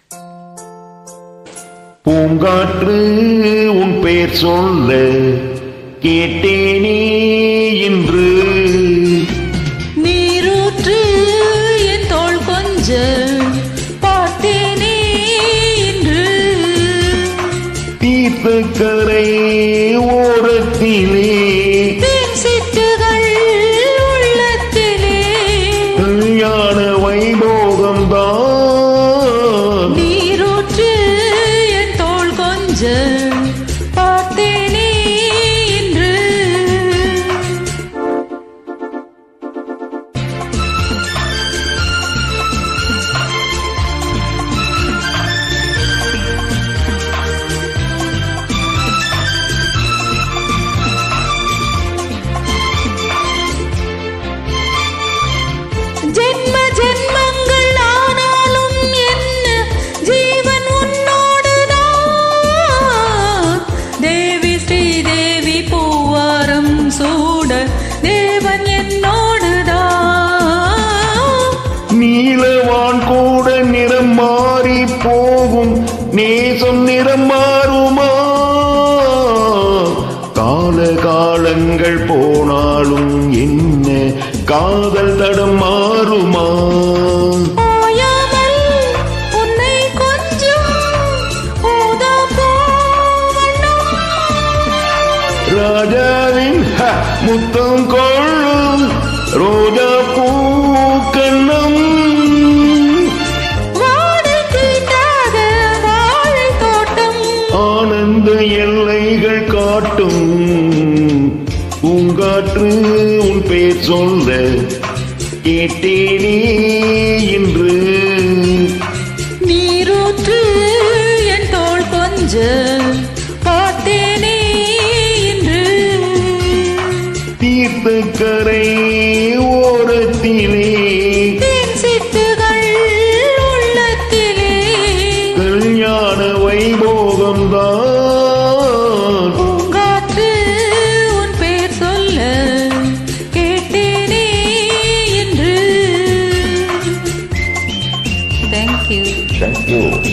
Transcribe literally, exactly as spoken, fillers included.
பூங்காற்று உன் பெயர் சொல்ல கேட்டேனே இன்று. நீரூற்று என் தோள் கொஞ்ச பார்த்தேனே இன்று. தீர்த்தக்கரை ஓரத்திலே சிட்டுகள் உள்ளத்திலே கல்யாண வைபோகம்தான். நீரூற்று என் தோள் கொஞ்ச பார்த்தேனே இன்று. ஜென்ம ஜென்மங்கள் ஆனாலும் என்ன ஜீவன் உன்னோடுதான். தேவி ஸ்ரீதேவி பூவாரம் சூட தேவன் என்னோடுதான். நீலவான் கூட நிறம் மாறி போகும், நேசம் நிறம் மாறுமா? கால காலங்கள் போனாலும் என்ன காதல் தடம் மாறுமா? ஓயாமல் உன்னை கொஞ்சம் ஊதாப்பூவண்ணம். ராஜாவின் ஹ, முத்தம் கொள்ளும் ரோஜா பூக்கண்ணம். வாடை தீட்டாத வாழைத் தோட்டம் ஆனந்த எல்லைகள் காட்டும். பூங்காற்று உன் பெயர் சொல்ல கேட்டேனே இன்று. நீரூற்று என் தோள் கொஞ்ச பார்த்தேனே இன்று. தீர்த்தக்கரை ஓரத்திலே தேன் சிட்டுகள் உள்ளத்திலே கல்யாண வைபோகம்தான். பூங்காற்று உன் பெயர் சொல்ல கேட்டேனே இன்று. Thank you. Thank you.